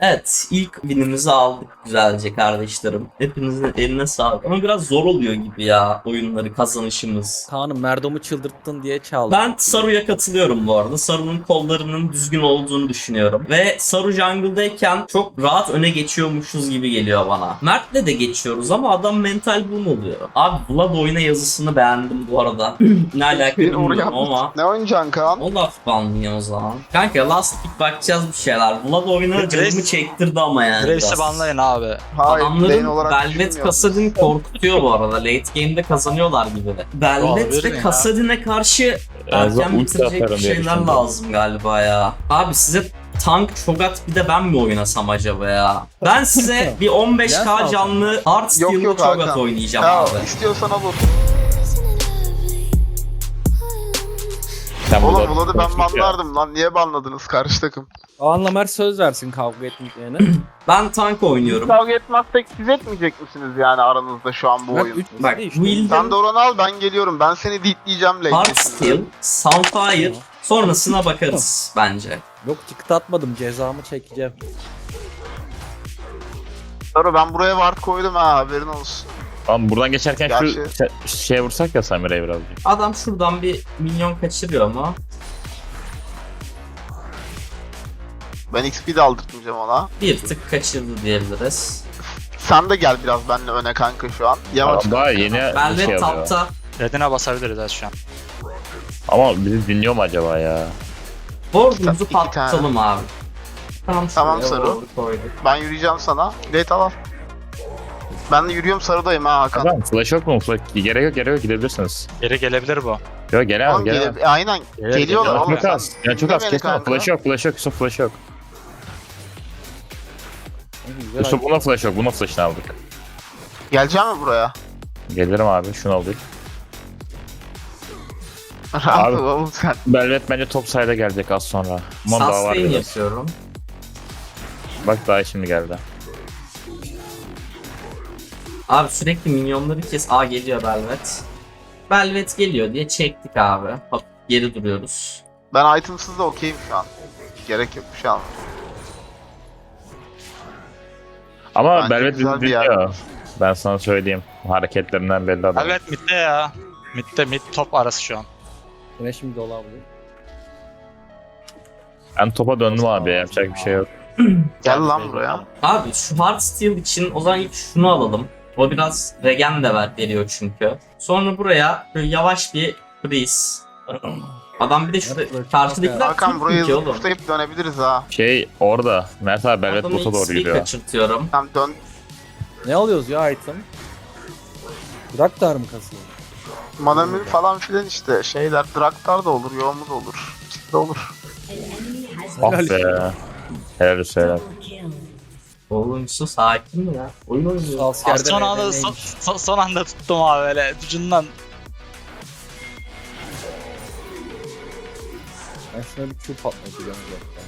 Evet, ilk winimizi aldık güzelce kardeşlerim. Hepinizin eline sağlık. Ama biraz zor oluyor gibi ya oyunları kazanışımız. Kaan'ım Merdom'u çıldırttın diye çaldım. Ben Saru'ya katılıyorum bu arada. Saru'nun kollarının düzgün olduğunu düşünüyorum. Ve Saru jungle'dayken çok rahat öne geçiyormuşuz gibi geliyor bana. Mert'le de geçiyoruz ama adam mental boom oluyor. Abi Vlad oyuna yazısını beğendim bu arada. Ne alaka bilmiyorum ama. Ne oynayacaksın Kaan? O laf banlıyor o zaman. Kanka last pick bakacağız bir şeyler. Vlad oyuna canımı çektirdi ama yani Graves'i biraz. banlayın abi. Hayır, lane Adamların olarak Velvet düşünmüyorum. Kassadin korkutuyor bu arada. Late game'de kazanıyorlar gibi de. Velvet Olabilir ve mi ya? Kassadin'e karşı Azra erken ulti bitirecek atarım diye şeyler düşündüm. lazım galiba ya. Abi size tank Cho'Gath bir de ben mi oynasam acaba ya? Ben size bir 15k canlı Hearthstone'lu Yok Cho'Gath Hakan. oynayacağım Ya abi. istiyorsan olur. Sen Oğlum burada Vlad'ı ben konuştuk ya. banlardım lan. Niye banladınız karşı takım? Kaan'la Mert söz versin kavga etmeyeceğine. Ben tank oynuyorum. Kavga etmezsek siz etmeyecek misiniz yani aranızda şu an bu Mert oyun? 3 Bak Wild'in Sen de oranı al, ben geliyorum. Ben seni ditleyeceğim late. Hearthstone, Sunfire sonrasına bakarız bence. Yok çıktı atmadım cezamı çekeceğim. Sonra ben buraya ward koydum ha, haberin olsun. Tamam buradan geçerken şu Gerçi- şeye vursak ya Samira'ya birazcık. Adam şuradan bir milyon kaçırıyor ama Ben XP de aldırtmayacağım ona. bir tık kaçırdı diyebiliriz. Sen de gel biraz benimle öne kanka şu an. Yavaş. Tamam, daha yeni bir Velvet şey alıyor. tapta. Redine basabiliriz az şu an. Ama bizi dinliyor mu acaba ya? Board'umuzu İki patlatalım abi. Tamam, Tamam, şuraya Saru. board'u koyduk. Ben yürüyeceğim sana. Late al. Ben de yürüyorum, sarıdayım ha Hakan. Tamam flash yok mu? Flash... Gerek yok gidebilirsiniz. Geri gelebilir bu. Yok gelemez Oğlum gelemez. aynen geliyorlar Yani oğlum. çok az. Yani çok az. Dinle beni Kesin kanka. flash yok Yusuf flash yok. Güzel Yusuf buna flash yok. Buna flash'ını aldık. Geleceğim mi buraya? Gelirim abi şunu aldık. Rahat ol oğlum sen. Velvet bence top side'a gelecek az sonra. Aman daha var Sustain biraz. yapıyorum. Bak daha şimdi geldi. Abi sürekli minyonları kes. Aa geliyor Velvet. Velvet geliyor diye çektik abi. Hop geri duruyoruz. Ben itemsız da okeyim şu an. Gerek yok şu an. Ama Bence Velvet güzel bizi bir yer dinliyor. var. Ben sana söyleyeyim. Hareketlerinden belli adam. Evet midde ya. Midde mid top arası şu an. Yine şimdi olabilir. Ben topa döndüm abi. Yapacak bir şey yok. Gel lan buraya. Abi şu Hearthstone için o zaman ilk şunu alalım. O biraz regen de veriyor çünkü. Sonra buraya böyle yavaş bir freeze. Adam bir de şurada karşıdakiler Hakan Türk burayı ülke oğlum. tutayıp dönebiliriz ha. Şey orada. Mert abi Velvet Adamı bota doğru XP gidiyor. kaçırtıyorum. Tamam dön. Ne alıyoruz ya item? Draktar mı kasıyor? Manamül falan filan işte. Şeyler, Draktar da olur, Yoğumu da olur. İkisi de olur. Ah be. Helal olsun helal. Oğlum su sakin mi ya? Oyun oynuyor. Askerde Son anda, neymiş? son anda tuttum abi böyle ucundan. Ben şuna bir Q patlatacağım zaten.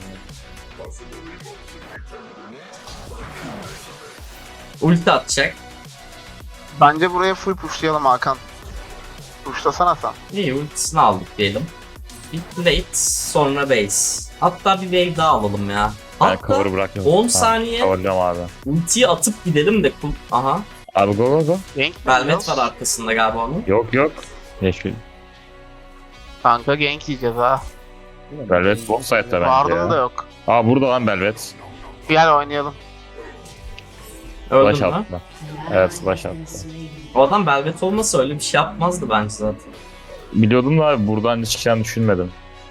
Ulti atacak. Bence buraya full pushlayalım Hakan. Pushlasana sen. İyi ultisini aldık diyelim. Bir late sonra base. Hatta bir wave daha alalım ya. Ben Hatta cover bıraktım. 10 saniye Coverlıyorum abi. ultiyi atıp gidelim de aha. Abi go go go. Gank Velvet var arkasında galiba onun. Yok. Yeşil. Kanka gank yiyeceğiz ha. Velvet bot side'da bence Vardım da ya. yok. Aa burada lan Velvet. Gel oynayalım. Flash Öldün mü? attı. Evet flash attı. O adam Velvet olmasa öyle bir şey yapmazdı bence zaten. Biliyordum da abi buradan çıkacağını düşünmedim.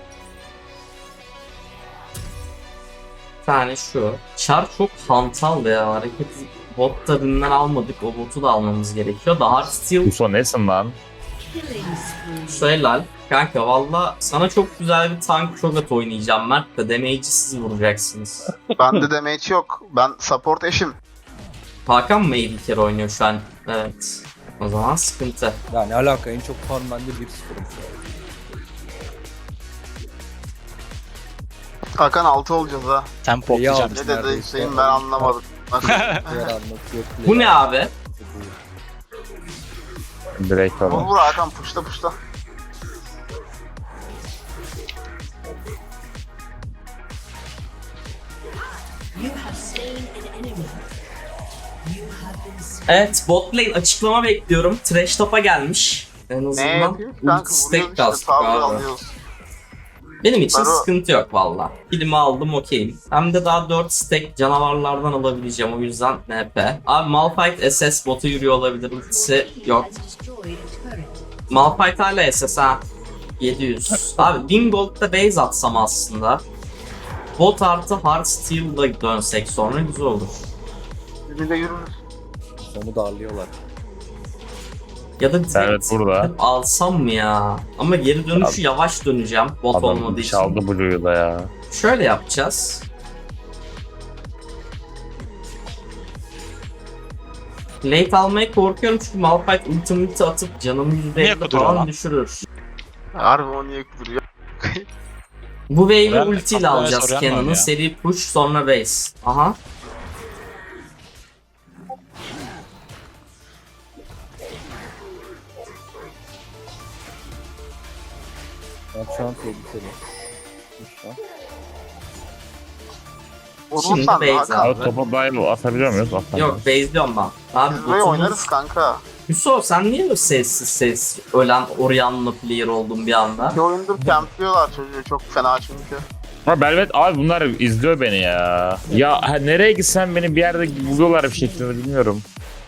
Bir tane şu. Char çok hantal ya. Hareket bot tabinden almadık. O botu da almamız gerekiyor. Daha Hearthstone Uso nesin lan? şu helal. Kanka valla sana çok güzel bir tank Cho'Gath oynayacağım Mert de damage'i siz vuracaksınız. Bende damage yok. Ben support eşim. Hakan mı iyi bir kere oynuyor şu an? Evet. O zaman sıkıntı. Ya ne alaka en çok puan bende 1-0. Hakan 6 olacağız ha. Tempo İyi atacağım. abi. Ne dedi Neredeyse. Hüseyin, ben anlamadım. Nasıl? Diğer anlatıyor. Bu ne abi? Direkt Vur falan. vur Hakan, pushla. You have Evet, bot lane açıklama bekliyorum. Trash top'a gelmiş. En Ne azından yapıyor? Kanka ulti stack vuruyoruz işte, kastık tavır abi. alıyoruz. Benim için Baro- sıkıntı yok valla. Kilimi aldım okeyim. Hem de daha 4 stack canavarlardan alabileceğim, o yüzden NP. Abi Malphite SS botu yürüyor olabilir, ultisi yok. Malphite hala SS ha. 700. Abi 1000 gold'da base atsam aslında. Bot artı hard steel'la dönsek sonra güzel olur. Bir de yürürüz. Onu darlıyorlar. Ya da direkt Evet, burada. alsam mı ya? Ama geri dönüşü yavaş döneceğim bot olmadığı Adam için. çaldı Blue'yu da ya. Şöyle yapacağız. Late almaya korkuyorum çünkü Malphite ultimate atıp canımı Niye %50 kuduruyor falan lan? düşürür. Harbi o niye kuduruyor? Bu wave'i Ben ultiyle kafaya alacağız soruyorum Cannon'ın. ya. Seri push sonra base. Aha. Ben şu an tehlikeli. Şu an. Vurursan Şimdi da base Hakan. Abi topa dive atabiliyor muyuz? Atamıyoruz. Yok base diyorum ben. Abi Biz buraya botumuz- oynarız kanka. Hüso sen niye böyle sessiz ölen Orianna player oldun bir anda? Bir oyundur campliyorlar çocuğu çok fena çünkü. Ama Belvet abi bunlar izliyor beni ya. Ya nereye gitsem beni bir yerde buluyorlar bir şekilde bilmiyorum.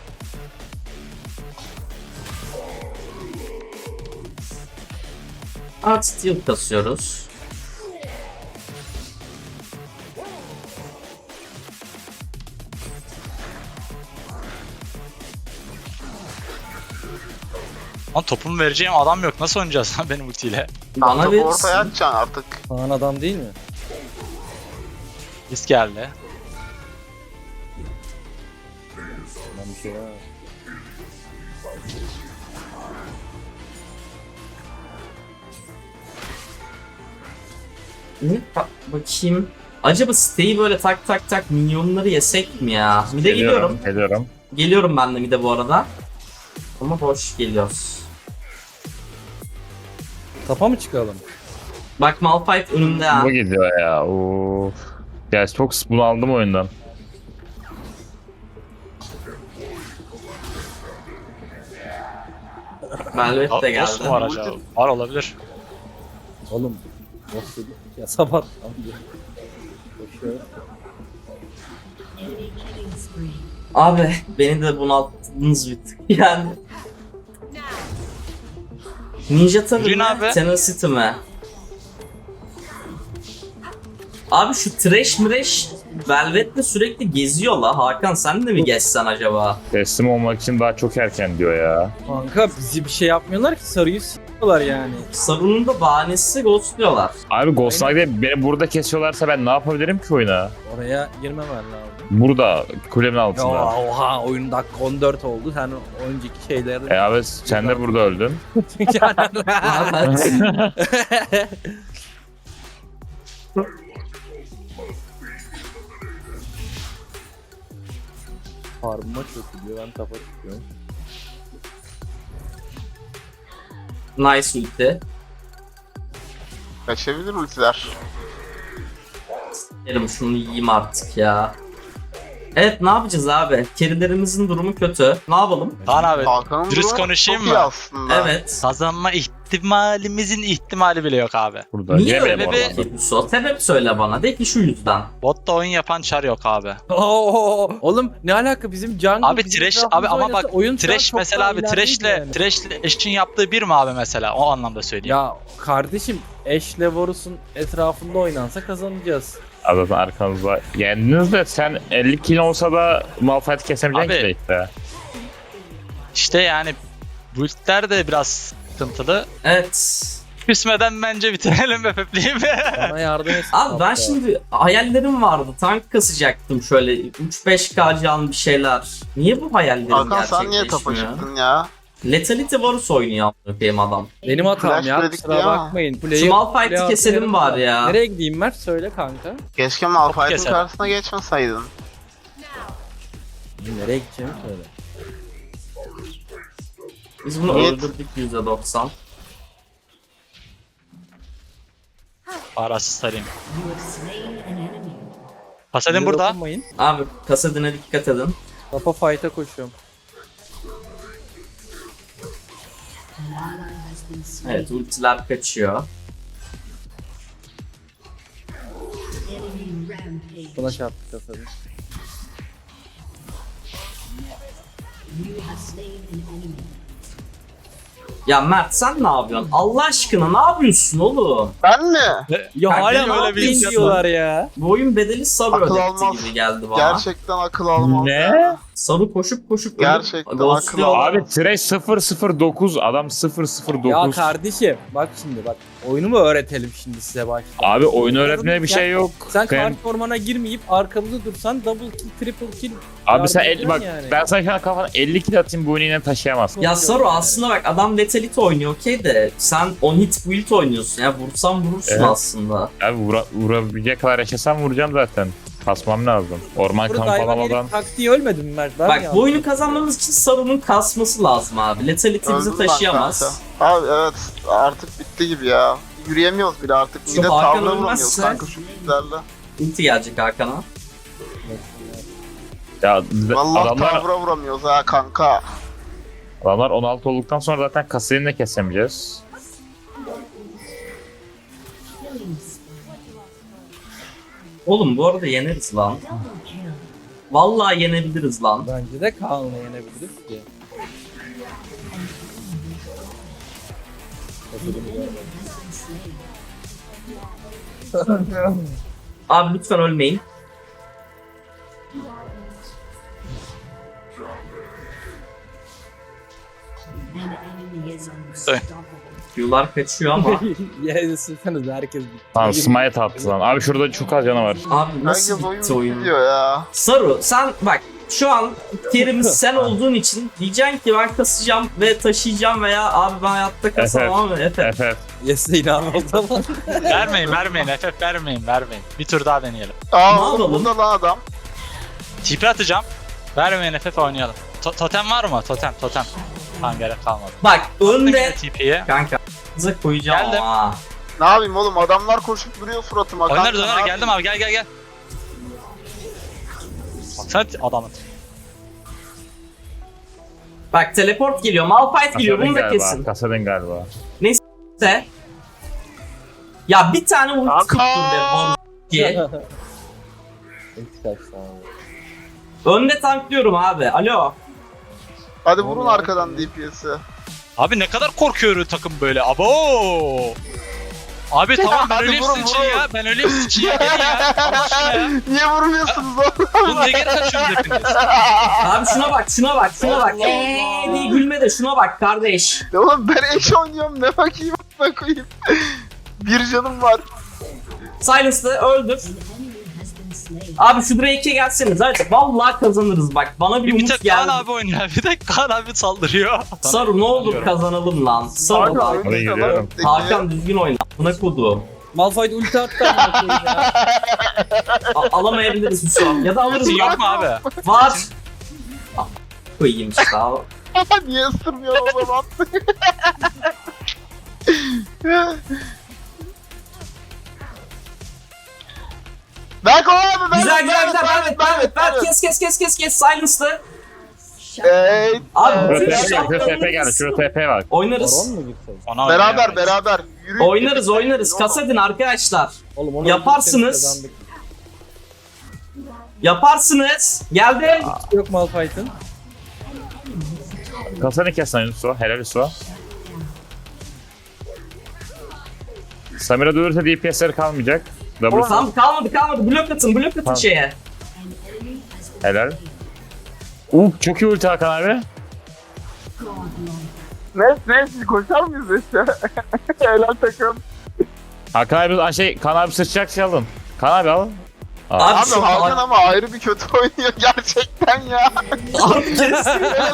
Art steel kasıyoruz. Lan topumu vereceğim adam yok. Nasıl oynayacağız lan benim ultiyle? Bana Topu verirsin. ortaya atacaksın artık. Kaan adam değil mi? Risk geldi. Ben bir şey var. Bakayım. Acaba stay'i böyle tak tak tak minyonları yesek mi ya? Bir de geliyorum. Geliyorum. Geliyorum ben de bir de bu arada. Ama boş geliyoruz. Tapa mı çıkalım? Bak Malphite önümde ha. Bu gidiyor ya. Of. Ya çok bunaldım oyundan. Velvet de Boss mu geldi. var acaba? Var olabilir. Oğlum. Boss dedik ya sabah. Koşuyor. Abi beni de bunalttınız bir tık. Yani. Ninja Tabi Yürüyün mi? abi. Tenacity mi? Abi şu trash mresh Velvet'le sürekli geziyor la. Hakan sen de mi gezsen acaba? Teslim olmak için daha çok erken diyor ya. Kanka bizi bir şey yapmıyorlar ki sarıyı s**yorlar yani. Sarunun da bahanesi ghostluyorlar. Abi Ghost Knight'e beni burada kesiyorlarsa ben ne yapabilirim ki oyuna? Oraya girmemen lazım. Burada kulemin Ya altında. oha oyun dakika 14 oldu. Sen önceki şeyleri... Abi sen de burada öldün. Evet. Farmıma çok gidiyor. Ben tapa çıkıyorum. Nice ulti. Kaçabilir ultiler. Gelin şunu yiyeyim artık ya. Evet ne yapacağız abi? Kerilerimizin durumu kötü. Ne yapalım? Kaan abi Hakan'ın dürüst durumu konuşayım çok iyi mı? aslında. Evet. Kazanma ihtimalimizin ihtimali bile yok abi. Burada. Niye Yemeyelim öyle bir- oradan. Hüso sebep söyle bana. De ki şu yüzden. Botta oyun yapan çar yok abi. Oo, oğlum ne alaka bizim jungle Abi bizim trash etrafımızda abi ama oynasa bak oyun şu an trash çok mesela daha abi ilerideydi yani. trash'le eşin yaptığı bir mi abi mesela? O anlamda söyleyeyim. Ya kardeşim Ashe Varus'un etrafında oynansa kazanacağız. Abi zaten arkanızda. Yendiniz de sen 50 kill olsa da Malphite kesemeyeceksin Abi. ki işte. İşte yani build'ler de biraz sıkıntılı. Evet. Küsmeden bence bitirelim be Pepli'yi be. Bana yardım et. Abi ben şimdi hayallerim vardı. Tank kasacaktım şöyle 3-5k can bir şeyler. Niye bu hayallerim Hakan sen niye tapa gerçekleşmiyor? çıktın ya? Lethality Varus oynuyor benim adam. Benim hatam Flash ya dedik kusura diye ama. bakmayın. Şu Malphite'i keselim bari ya. Nereye gideyim Mert söyle kanka. Keşke Malphite'in keser. karşısına geçmeseydin. Nereye gideceğimi söyle. Biz bunu Evet. öldürdük %90. Parasız sarayım. Pasadin Bize burada. dokunmayın. Abi kasadine dikkat edin. Tapa fight'a koşuyorum. Evet ultiler kaçıyor. Buna çarptı kafayı. Ya Mert sen ne yapıyorsun? Allah aşkına ne yapıyorsun oğlum? Ben mi? Ya Kanka, hala öyle ne bir yapayım şey diyorlar ya. Bu oyun bedeli Saru Akıl ödetti almaz. gibi geldi bana. Gerçekten akıl almaz. Ne? ya. Saru koşup koşup Gerçekten ghostluyor. akıl Abi Trash 009 adam 009. Ya kardeşim bak şimdi bak. Oyunu öğretelim şimdi size başta. Abi oyun öğretmeye bir şey yok. Sen Ben- kart ormana girmeyip arkamızda dursan double kill, triple kill. Abi sen yardım bak yani. ben sana şu an kafana 50 kill atayım bu oyunu yine taşıyamazsın. Ya Saru aslında bak adam Lethality oynuyor okey de sen on hit build oynuyorsun ya vursan vurursun Evet. aslında. Abi vurabilecek kadar yaşasam vuracağım zaten. Kasmam lazım. Orman Burada kamp hayvan alamadan. herif taktiği ölmedi mi Mert? Ben Bak mi bu oyunu yanlış kazanmamız için Saru'nun kasması lazım abi. Lethality bizi Öldüm ben taşıyamaz. kanka. Abi evet artık bitti gibi ya. Yürüyemiyoruz bile artık. Şu Bir de Hakan tavla vuramıyoruz ölmezse- kanka şu bizlerle. Ulti gelecek Hakan'a. Ya Vallahi adamlar, tavra vuramıyoruz ha kanka. adamlar 16 olduktan sonra zaten kasayı de kesemeyeceğiz. Oğlum bu arada yeneriz lan. Vallahi yenebiliriz lan. Bence de Kaan'la yenebiliriz ki. Abi lütfen ölmeyin. Q'lar kaçıyor ama. Ya sıksanız herkes bitti. Tamam smite attı lan. Abi şurada çok az canı var. Abi nasıl Herkes bitti oyun oyun? gidiyor ya. Saru sen bak şu an Kerim'in sen olduğun için diyeceksin ki ben kasacağım ve taşıyacağım veya abi ben hayatta kasamam ve Efe. Efe. Yes'e inan o zaman. Vermeyin FF vermeyin. Bir tur daha deneyelim. Aa Ne oğlum yapalım? burada lan adam. TP atacağım. Vermeyin FF oynayalım. Totem var mı? Totem. Tamam gerek kalmadı. Bak önde TP'ye. kanka bize koyacağım Geldim. ama. Ne yapayım oğlum adamlar koşup duruyor suratıma. Oynarız Kanka, ne oynarız. yapayım? Geldim abi gel. Baksana adamın. Bak teleport geliyor, Malphite geliyor bunu da galiba. kesin. Kasadin galiba. Neyse. Ya bir tane ulti Kanka! tuttun be Boru diye. Ulti kaçtı abi. Önde tanklıyorum abi. Alo. Hadi vurun arkadan DPS'i. Abi ne kadar korkuyor takım böyle. Abo. Abi tamam ben Hadi öleyim vurun, sizin için vurun. ya. Ben öleyim sizin için ya. Gelin ya. Allah aşkına ya. Niye vurmuyorsunuz oğlum? Oğlum ne geri kaçıyorsunuz hepiniz? Abi şuna bak. Allah diye gülme de şuna bak kardeş. Oğlum ben eş oynuyorum ne bakayım ne koyayım. Bir canım var. Silence'da öldür. Abi şu Drake'e gelseniz hadi. Vallahi kazanırız bak. Bana bir Bir umut tek Kaan geldi. abi oynuyor. Bir tek Kaan abi saldırıyor. Saru ne olur kazanalım lan. Saru Kanka bak. öyle işte geliyorum. lan. Hakan düzgün oyna. Buna kodu. Malphite ulti attı amına koyayım ya. Alamayabiliriz şu an. Ya da alırız. Ulti yok mu abi? Var. Koyayım işte abi. Niye ısırmıyor o zaman? Berk abi ben Güzel. Kes. Silence'da. Ey, Abi Şurada bütün TP geldi. Şurada TP geldi. Şurada TP bak. Baron Oynarız. mu gitsek? Ona beraber yürü. Oynarız. Kasadin arkadaşlar. Oğlum onu Yaparsınız. kazandık. Yaparsınız. Geldi. Yok Malphite'ın. Kasadin kes lan Yusuf. Helal Yusuf. Samira dövürse DPS'leri kalmayacak. Double Tamam kalmadı. Blok atın Tamam. şeye. helal. Çok iyi ulti Hakan abi. Ne siz koşar mıyız işte? Helal takım. Hakan abi Kaan abi sıçacak şey alın. Kaan abi al. Abi şu Hakan ama ayrı bir kötü oynuyor gerçekten ya. Abi kes.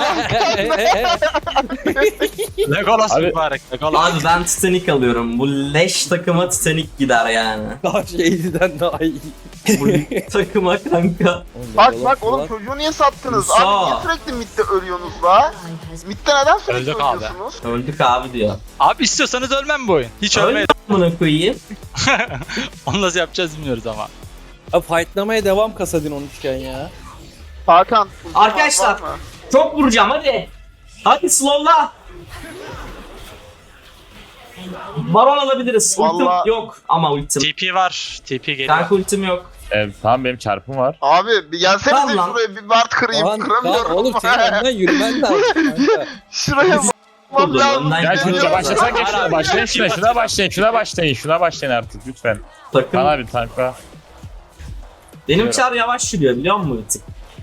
Legolas Abi- mübarek. Legolas. Abi ben Titanic alıyorum. Bu leş takıma Titanic gider yani. Daha şeyden daha iyi. Bu takıma kanka. Bak oğlum çocuğu niye sattınız? Musa. Abi niye sürekli midde ölüyorsunuz la? Midde neden sürekli Öldük abi. ölüyorsunuz? Öldük abi diyor. Abi istiyorsanız ölmem bu oyun. Hiç ölmeyin. Öldük amına koyayım. Onu nasıl yapacağız bilmiyoruz ama. Abi fightlamaya devam Kasadin 13'ken ya. Hakan. ultim Arkadaşlar. var mı? Çok vuracağım hadi. Hadi slowla. Baron alabiliriz. Ultim Vallahi- yok ama ultim. TP var. TP geliyor. Kanka ultim yok. Tamam benim çarpım var. Abi bir gelsenize Tamam lan. şuraya bir Bart kırayım. Kaan Kıramıyorum. oğlum senin önden yürümen lazım kanka. Şuraya bakmam Dur, lazım. önden Gel gidiyorum. şuna başlasak ya, şuna Hayır, başlayın, hayır. şuna başlayın artık lütfen. Takım. Bana bir tankla. Benim çar yavaş yürüyor biliyor musun ultim?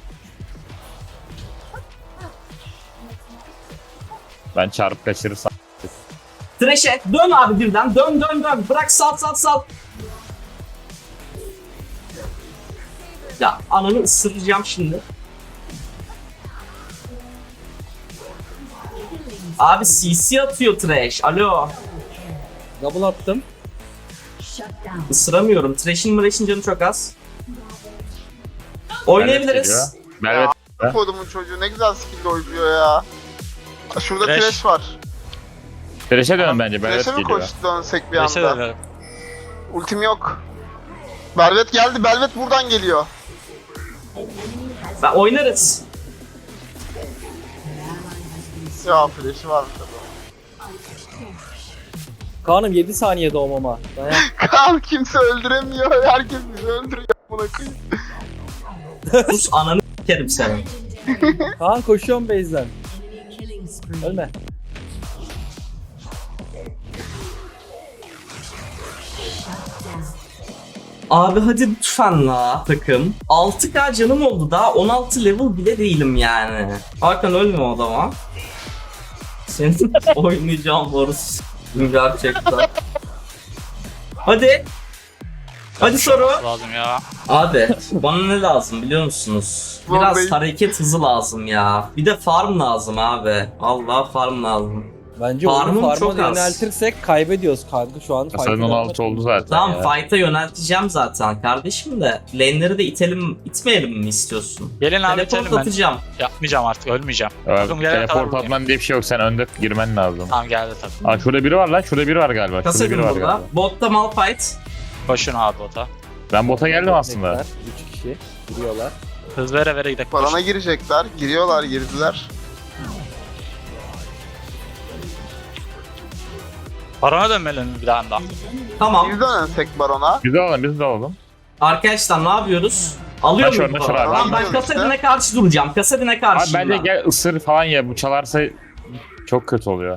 Ben çarpıp kaçırırsam. Thresh'e dön abi birden. Dön. Bırak sal. Ya ananı ısıracağım şimdi. Abi CC atıyor Thresh. Alo. Double attım. Isıramıyorum. Thresh'in canı çok az. Oynayabiliriz. Belvet. Kodumun çocuğu ne güzel skill oynuyor ya. Şurada Thresh. Thresh var. Thresh'e dönün bence. Belvet Thresh'e mi geliyor. koş dönsek bir Neyse anda? dönelim. Ultim yok. Belvet geldi. Belvet buradan geliyor. Ben oynarız. Ya flash'i varmış adam. Kaan'ım 7 saniye doğmama. Dayan. Kaan kimse öldüremiyor. Herkes bizi öldürüyor. Buna koyayım. Sus ananı s**erim seni. Kaan koşuyorum base'den. Ölme. Abi hadi lütfen la takım. 6k canım oldu daha 16 level bile değilim yani. Hakan ölme o adama. Senin oynayacağım borusu. Gerçekten. Hadi. Hadi soru. Lazım ya. Abi bana ne lazım biliyor musunuz? Biraz Vallahi- hareket hızı lazım ya. Bir de farm lazım abi. Allah farm lazım. Bence Farmım onu çok farma az. yöneltirsek kaybediyoruz kanka şu an. Kasadin fight'ı 16 oldu zaten Tamam ya. fight'a yönelteceğim zaten kardeşim de. Lane'leri de itmeyelim mi istiyorsun? Gelin abi Teleport bitelim ben. atacağım. Yapmayacağım artık ölmeyeceğim. Evet, Takım gelene kadar teleport buradayım. atman diye bir şey yok. Sen önde girmen lazım. Tamam geldi takım. Aa şurada biri var lan. Şurada biri var galiba. Şurada Kasadin biri var burada. galiba. Botta Malphite. Koşun abi bota. Ben bota geldim aslında. 3 kişi duruyorlar. Hız vere vere gidelim. Barona girecekler. Giriyorlar, girdiler. Barona dönmeli bir daha da. Tamam. Biz dönsek Baron'a. Biz de alalım. Arkadaşlar ne yapıyoruz? Alıyor Taş muyum? orada, şuraya abi. Tamam ben Alıyoruz Kasadin'e işte. karşı duracağım. Kasadin'e Abi karşı. bence gel ısır falan ya. Bu çalarsa çok kötü oluyor.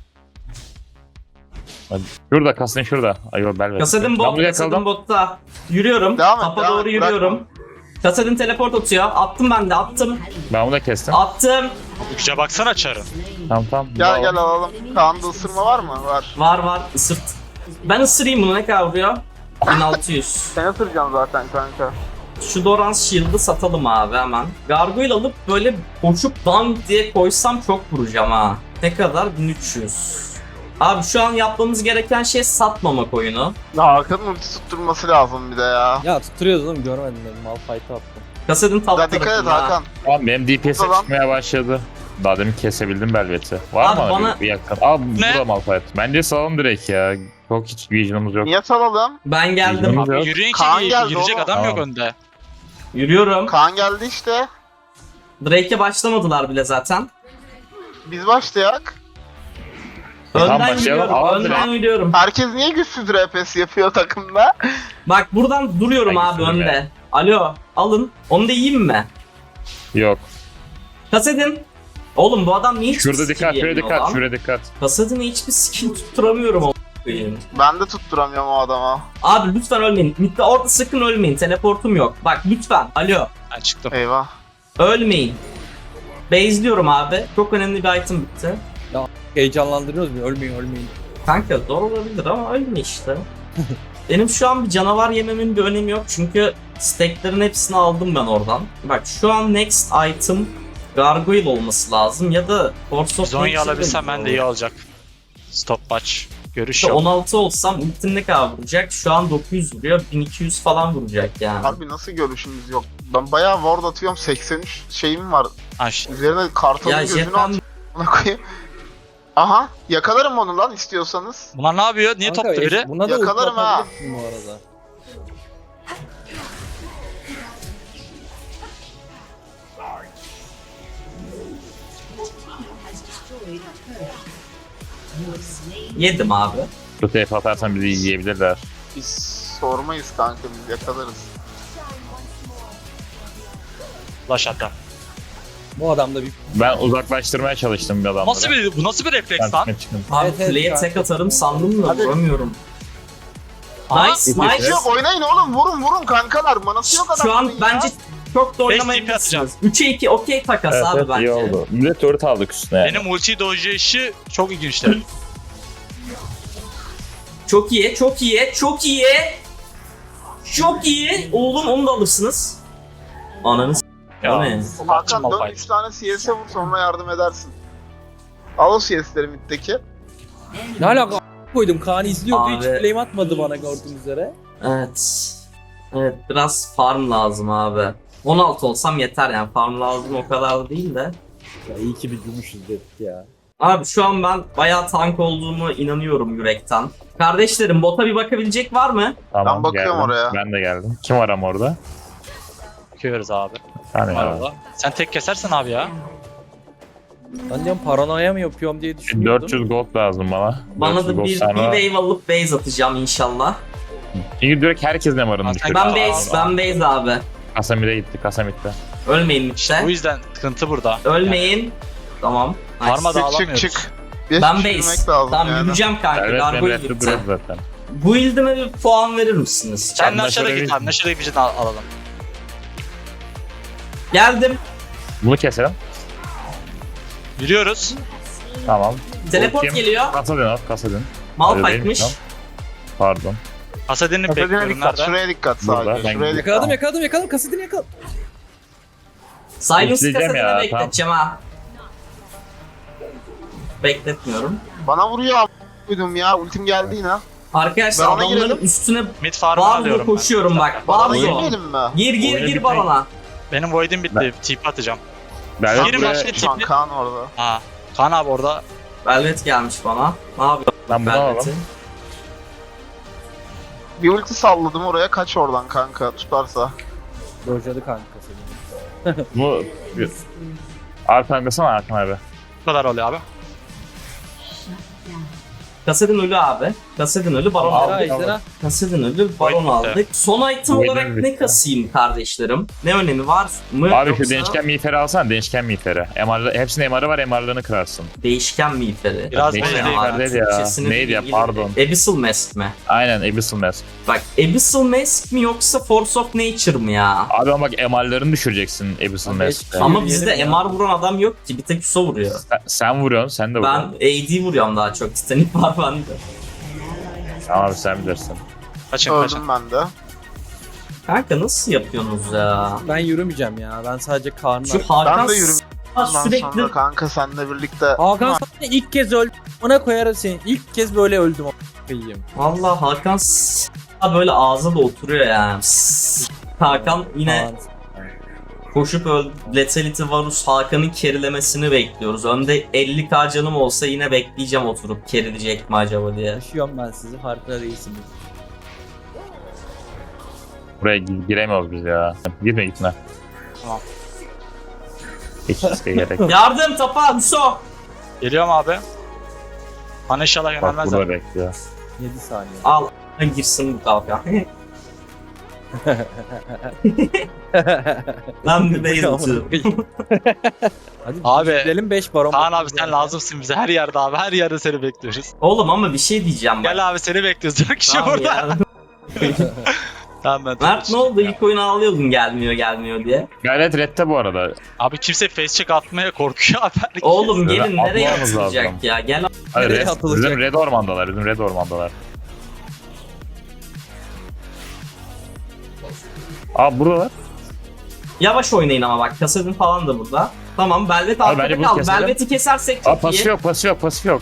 Hadi. Şurada Kasadin şurada. Ayo Belvet. Kasadin Ben bot, bunu Kasadin yakaladım. botta. Yürüyorum. Devam et, Tapa devam doğru et, yürüyorum. Kasadin teleport atıyor. Attım ben de attım. Ben bunu da kestim. Attım. Üçe baksana çarı. Tamam. Gel gel alalım. Kaan'da ısırma var mı? Var. Var ısırt. Ben ısırayım bunu ne kadar vuruyor? 1600. Sen ısıracaksın zaten kanka. Şu Doran Shield'ı satalım abi hemen. Gargoyle alıp böyle koşup dank diye koysam çok vuracağım ha. Ne kadar? 1300. Abi şu an yapmamız gereken şey satmamak oyunu. Hakan'ın ulti tutturması lazım bir de ya. Ya tutturuyoruz oğlum görmedim dedim. Malphite'ı attım. Kasadin top Ya dikkat et tarafında ha. Hakan. Tamam benim DPS'e Tamam. çıkmaya başladı. Daha demin kesebildim Belvet'i. Var Abi mı bana- bir yakın? Abi Ne? bu da Malphite. Bence salalım direkt ya. Çok hiç vision'ımız yok. Niye salalım? Ben geldim. Bilmiyorum. Abi Yok. yürüyün ki Kaan geldi yürüyecek oğlum. adam yok Tamam. önde. Yürüyorum. Kaan geldi işte. Drake'e başlamadılar bile zaten. Biz başlayak. Tamam, Önden başlayalım. yürüyorum. Alalım Önden direkt. yürüyorum. Herkes niye güçsüz RPS yapıyor takımda? Bak buradan duruyorum Ben abi güçlüyüm önde. ya. Alo alın. Onu da yiyeyim mi? Yok. Kasadin. Oğlum bu adam niye hiçbir Şurada skill dikkat, şuraya yemiyor dikkat, lan? şuraya dikkat. Kasadin'e hiçbir skill tutturamıyorum o koyayım. Ben de tutturamıyorum o adama. Abi lütfen ölmeyin. Mid'de orada sakın ölmeyin. Teleportum yok. Bak lütfen. Alo. Ben çıktım. Eyvah. Ölmeyin. Base'liyorum abi. Çok önemli bir item bitti. Heyecanlandırıyoruz mu? Ölmeyin. Kanka zor olabilir ama ölme işte. Benim şu an bir canavar yememin bir önemi yok çünkü stacklerin hepsini aldım ben oradan. Bak şu an next item Gargoyle olması lazım ya da Force of Zonya Nature'da alabilsem mı ben de olur? iyi olacak. Stopwatch. Görüş İşte yok. 16 olsam ultim ne kadar vuracak? Şu an 900 vuruyor, 1200 falan vuracak yani. Harbi nasıl görüşümüz yok? Ben bayağı ward atıyorum. 83 şeyim var. Ha, Üzerine kartalın Ya gözünü Jepan at. Ona koyayım. Aha yakalarım onu lan istiyorsanız. bunlar ne yapıyor? Niye Kanka, toptu biri? Buna da Yakalarım ulti ha. atabilirsin bu arada. Yedim abi. Bu TF atarsan bizi yiyebilirler. Biz sormayız kanka, biz yakalarız. Flash hatta. Bu adamda bir... Ben uzaklaştırmaya çalıştım bir adamları. Bu nasıl bir refleks lan? Çıkın. Abi Evet, evet, kuleye kanka. tek atarım sandım da Hadi. vuramıyorum. Aa, Nice nice. Evet. Yok oynayın oğlum, vurun kankalar. Manası yok Şu an adamların ya. bence çok da Beş TP oynamayabilirsiniz. 3'e 2 okey takas Evet, abi evet, bence. iyi oldu. Millet turret aldık üstüne yani. Benim ulti dojcu işi çok ilginçti. Çok iyi, çok iyi, çok iyi. Çok iyi. Oğlum onu da alırsınız. Ananı s***. O ne? Hakan dön Malphite. 3 tane CS'e vur, sonra yardım edersin. Al o CS'leri middeki. Ne alaka a- koydum, Kaan izliyordu, hiç Abi. flame atmadı bana gördüğünüz üzere. Evet. Evet biraz farm lazım abi. 16 olsam yeter yani, farm lazım o kadar da değil de. Ya iyi ki bir gümüşüz dedik ya. Abi şu an ben bayağı tank olduğumu inanıyorum yürekten. Kardeşlerim bota bir bakabilecek var mı? Tamam, Ben bakıyorum geldim. oraya. Ben de geldim. Kim var ama orada? Bakıyoruz abi. Hani Var ya. orada. Sen tek kesersin abi ya. Ben diyorum paranoya mı yapıyorum diye düşünüyordum. 400 gold lazım bana. Bana 400 da gold bir sonra- wave alıp base atacağım inşallah. Çünkü direkt herkes ne varını Ben düşürdü. Ben Aa, base abi. Kasamide gitti, Kasamit'te. Ölmeyin Bu işte. yüzden sıkıntı burada. Ölmeyin. Tamam. Nice. Parma da Çık alamıyoruz. çık. Bir Ben düşürmek base. lazım Tamam yani. yürüyeceğim kanka. Evet, ben Gargoyle redde gitti. duruyorum zaten. Bu ildime bir puan verir misiniz? Sen Ben Nashor'a şöyle git bir- abi. Nashor'a bir cidden alalım. Geldim. Bunu keselim. Yürüyoruz. Tamam. Teleport Kim? geliyor. Kasadın al, kasadın. Malphite'miş. Tamam. Pardon. Hasadin'i Kasadine bekliyorum dikkat, nerede? şuraya dikkat Burada, sadece. ben Şuraya gidiyorum. dikkat. Yakaladım, kasidini yakaladım. Silence İzleyeceğim kasetine ya, bekleteceğim ha. Bekletmiyorum. Bana vuruyor a***ydum ya, ultim geldi yine. Arkadaşlar Ben ona adamların girelim. üstüne Mid farm'ı Barzo alıyorum ben. koşuyorum bak. Bana Barzo. girmeyelim mi? Gir gir Oyunu gir bitmek- balona. Benim void'im bitti. TP atacağım. Ben Girin buraya, başka Şu an tipi. Kaan orada. Ha. Kaan abi orada. Velvet gelmiş bana. Ne yapıyor ben bunu Velvet'i? alalım. Bir ulti salladım oraya, kaç oradan kanka tutarsa. Dojladı kanka kasidini. Bu... Abi kankasana Hakan abi. Bu kadar oluyor abi. Kasedin ölü abi. Kasedin ölü baron Abi, aldık. Ejderha. Kasedin ölü baron Void bitti. aldık. Son item Void'im olarak ne bitti. kasayım kardeşlerim? Ne önemi var mı? Abi Yoksa şu değişken miğferi alsana, değişken miğferi. Hepsinin MR'ı var, MR'larını kırarsın. değişken miğferi. Biraz O ne değişken ya? miğfer değil ya. Türkçesini Neydi ya, bilgi- pardon. Abyssal Mask mi? Aynen, Abyssal Mask. Bak Abyssal Mask mi yoksa Force of Nature mı ya? Abi ama bak MR'larını düşüreceksin Abyssal Abi, Mask'te. Ama Yürüyelim bizde ya. MR vuran adam yok ki. Bir tek Yusuf vuruyor. Sen vuruyorsun, sen de Ben vuruyorsun. AD vuruyorum daha çok. Titanic var bende. Tamam abi, sen bilirsin. Kaçın kaçın. Öldüm ben de. Kanka nasıl yapıyorsunuz ya? Ben yürümeyeceğim ya. Ben sadece Kaan'la. Şu Hakan Ben de yürüyorum. Ondan sürekli sonra kanka seninle birlikte. Hakan sana ilk kez öldüm. Ona koyarım seni. İlk kez böyle öldüm. a**ayım. Vallahi Hakan böyle ağza da oturuyor yani. Hakan yine koşup öldü. Lethality Varus Hakan'ın kerilemesini bekliyoruz. Önde 50k canım olsa yine bekleyeceğim oturup kerileyecek mi acaba diye. Taşıyorum ben sizi. Farkında değilsiniz. Buraya giremiyoruz biz ya. Girme, gitme. Tamam. Hiç riske gerek yok. Yardım tapa Hüso. Geliyorum abi. Bana inşallah Bak yönelmezler. burada bekliyor. 7 saniye. Al girsin bu kavga. Ben bir base atıyorum. Hadi Abi, gidelim 5 baron. Kaan abi sen lazımsın bize. Her yerde abi. Her yerde seni bekliyoruz. Oğlum ama bir şey diyeceğim bak. Gel abi seni bekliyoruz. 4 kişi Tamam burada. ya. Tamam ben Mert ne oldu? İlk oyunu ağlıyordun gelmiyor diye. Gayret redde bu arada. Abi kimse face check atmaya korkuyor abi. Herkes. Oğlum Böyle gelin nereye atmamız atılacak lazım. ya? Gel Hayır, Nereye atılacak? bizim red ormandalar, bizim red ormandalar. Abi buradalar. yavaş oynayın ama bak kasedin falan da burada. Tamam Velvet Abi bence arkada bunu kaldı. keselim. Velvet'i kesersek Abi çok pasif iyi. yok, pasif yok, pasif yok.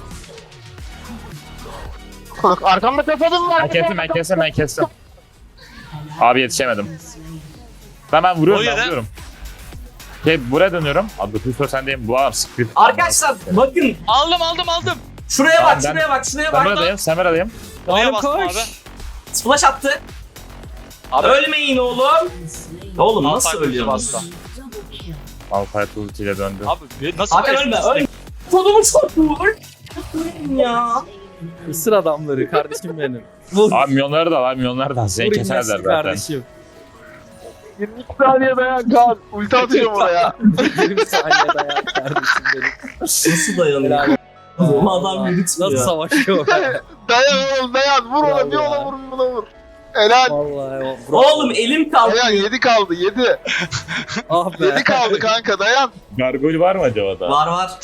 Arkamda kapadım var. Ben kestim. Abi yetişemedim. Ben vuruyorum, O ben yere. vuruyorum. Buraya dönüyorum. Abi Hüso sendeyim. Bu abi script. Arkadaşlar bakın Aldım. şuraya Tamam, bak ben- şuraya bak şuraya bak. Semeradayım, Semeradayım. Oraya Oğlum bastım koş. abi. Splash attı. Abi. Ölmeyin oğlum. Oğlum nasıl Malphite ölüyorsunuz? bastı. Malphite ultiyle döndü. Abi nasıl Hakan bir ölme FPS ölme. kodumu çocuğu. Ya. Isır adamları kardeşim benim. Vur. Abi milyonları da var, milyonları da. Seni Vur keserler inmesin zaten. kardeşim. 22 saniye dayan Kaan. Ulti atacağım oraya. 20 saniye dayan kardeşim benim. Nasıl dayanıyor? Bu adam yürütmüyor. Nasıl savaşıyor? Dayan oğlum dayan. Vur ona bir ona vur buna vur. Helal. Vallahi Oğlum elim Dayan kalkıyor. 7 kaldı 7. Ah be. 7 kaldı kanka dayan. Gargoyle var mı acaba da? Var var.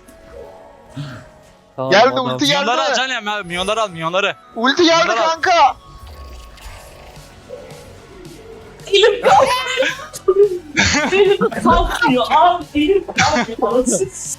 Tamam, Geldi, adam- ulti geldi. Milyonları alacaksın ya. Milyonları al milyonları. Ulti geldi Bunlar al. kanka. Elim kalkıyor. Elim kalkmıyor. Abi elim kalkıyor.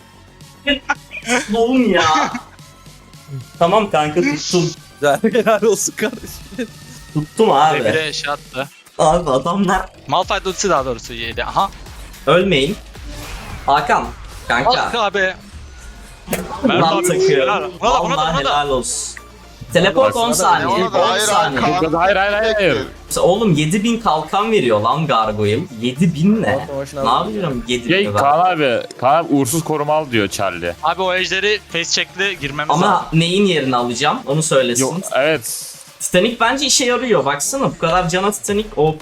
Oğlum ya. Tamam kanka tuttum. Güzel. Helal olsun kardeşim. Tuttum Bir abi. de şey attı. Abi adamlar Malphite ultisi daha doğrusu yedi. Aha. ölmeyin. Hakan. Kanka. Bak abi. Mert Lan abi. takıyor. Helal. Buna da buna da Vallahi buna da. helal olsun. Teleport 10 saniye. Ona da 10 hayır saniye. Kaan. Hayır. Oğlum 7000 kalkan veriyor lan Gargoyle. 7000 ne? Savaşın Ne aldım. yapıyorum 7000 Ya Kaan abi uğursuz koruma al diyor Charlie. Abi o ejderi face check'li girmemiz Ama lazım. neyin yerini alacağım onu söylesin. Yok evet. Titanic bence işe yarıyor. Baksana bu kadar cana Titanic OP.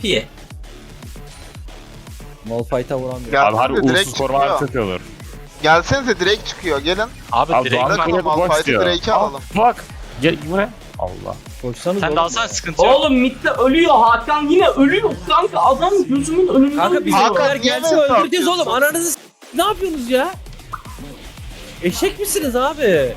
Malphite'a vuramıyor. Gel. Abi harbi Direkt uğursuz koruma çıkıyor. çok iyi olur. Gelsenize direkt çıkıyor gelin. Abi Abi direkt Doğan'da var. kule boş Malphite'i diyor. Drake'e alalım. Bak. Gel buraya. Allah. Koşsanız Sen oğlum de ya. alsan sıkıntı yok. Oğlum midde ölüyor Hakan yine ölüyor kanka adam gözümün önünde Kanka ölüyor. bizimkiler Hakan, niye gelse böyle öldüreceğiz oğlum. yapıyorsun? Ananızı ne yapıyorsunuz ya? Eşek misiniz abi?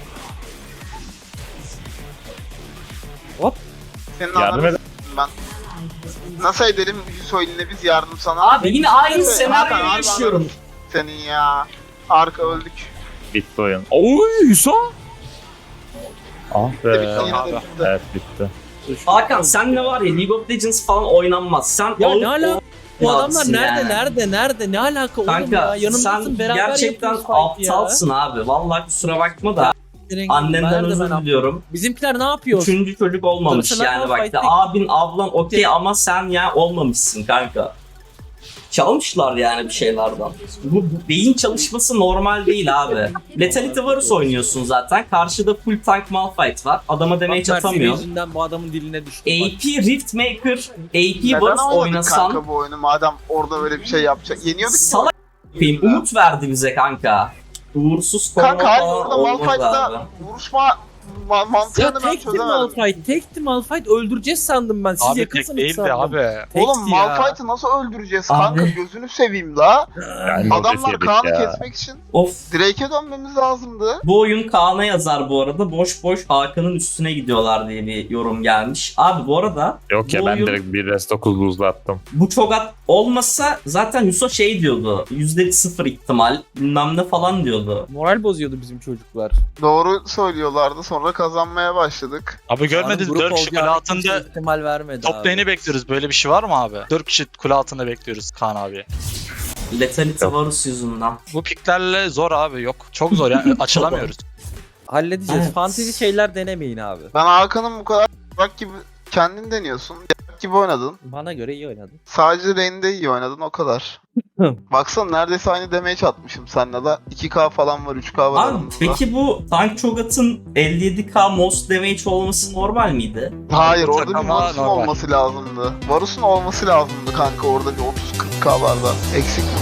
Hop. Senin Yardım anladın edin. ben. Nasıl edelim Hüsoy'la biz yardım sana? Abi yine aynı Evet, senaryoyu Hakan, yaşıyorum. Senin ya. Arka öldük. Bitti oyun. Oy Hüso. Ah Bitti, be. yine de abi. bitti. Evet bitti. Hakan sen ne var ya League of Legends falan oynanmaz. Sen Ya o- ne alaka? Bu o- adamlar yani. nerede? Ne alaka oğlum Kanka ya? Yanımdasın sen beraber gerçekten yapıyoruz fight ya. aptalsın abi. Vallahi kusura bakma da annenden Nerede özür ben diliyorum. Bizimkiler ne yapıyor? Üçüncü çocuk olmamış Sınıfına yani bak fight da abin ablan okey ama sen ya olmamışsın kanka. Çalmışlar yani bir şeylerden. Bu beyin çalışması normal değil abi. Lethality Varus oynuyorsun zaten. Karşıda full tank Malphite var. Adama damage Mert'in atamıyor. yüzünden bu adamın diline düştü. bak. AP Riftmaker, AP Neden Varus oynadık oynasan kanka bu oyunu madem orada böyle bir şey yapacak. Yeniyorduk mu? salak yapayım. Umut verdi bize kanka. Uğursuz koruma Kanka hayır falan orada olmaz abi. Malphite'da vuruşma Ya mantığını ben tekti çözemedim. Malphite, tekti Malphite öldüreceğiz sandım ben. Siz Abi tek yakınsınız değildi sandım. abi. Tekti Oğlum ya. Malphite'ı nasıl öldüreceğiz Abi. kanka gözünü seveyim la. Yani Adamlar yedik Kaan'ı ya. kesmek için Of. Drake'e dönmemiz lazımdı. Bu oyun Kaan'a yazar bu arada. Boş boş Hakan'ın üstüne gidiyorlar diye bir yorum gelmiş. Abi bu arada Yok ya bu ben oyun- direkt bir rest 9 buzla attım. bu çok olmasa zaten Hüso şey diyordu. %0 ihtimal bilmem ne falan diyordu. Moral bozuyordu bizim çocuklar. Doğru söylüyorlardı sonra kazanmaya başladık. Abi görmediniz Grup 4 kişi kule olacağını kimse altında ihtimal vermedi top abi. lane'i bekliyoruz. Böyle bir şey var mı abi? 4 kişi kule altında bekliyoruz Kaan abi. Lethality Yok. Varus yüzünden. Bu piklerle zor abi yok. Çok zor yani açılamıyoruz. Halledeceğiz. Evet. Fantezi şeyler denemeyin abi. Ben Hakan'ın bu kadar bak gibi kendin deniyorsun. Gibi oynadın. Bana göre iyi oynadın. Sadece lane'de iyi oynadın o kadar. Baksana neredeyse aynı damage atmışım seninle de. 2k falan var 3k var Abi aramızda. peki bu Tank Cho'Gath'ın 57k most damage olması normal miydi? Hayır orada bir Ama Varus'un normal. olması lazımdı. Varus'un olması lazımdı kanka orada bir 30-40k vardı. Eksik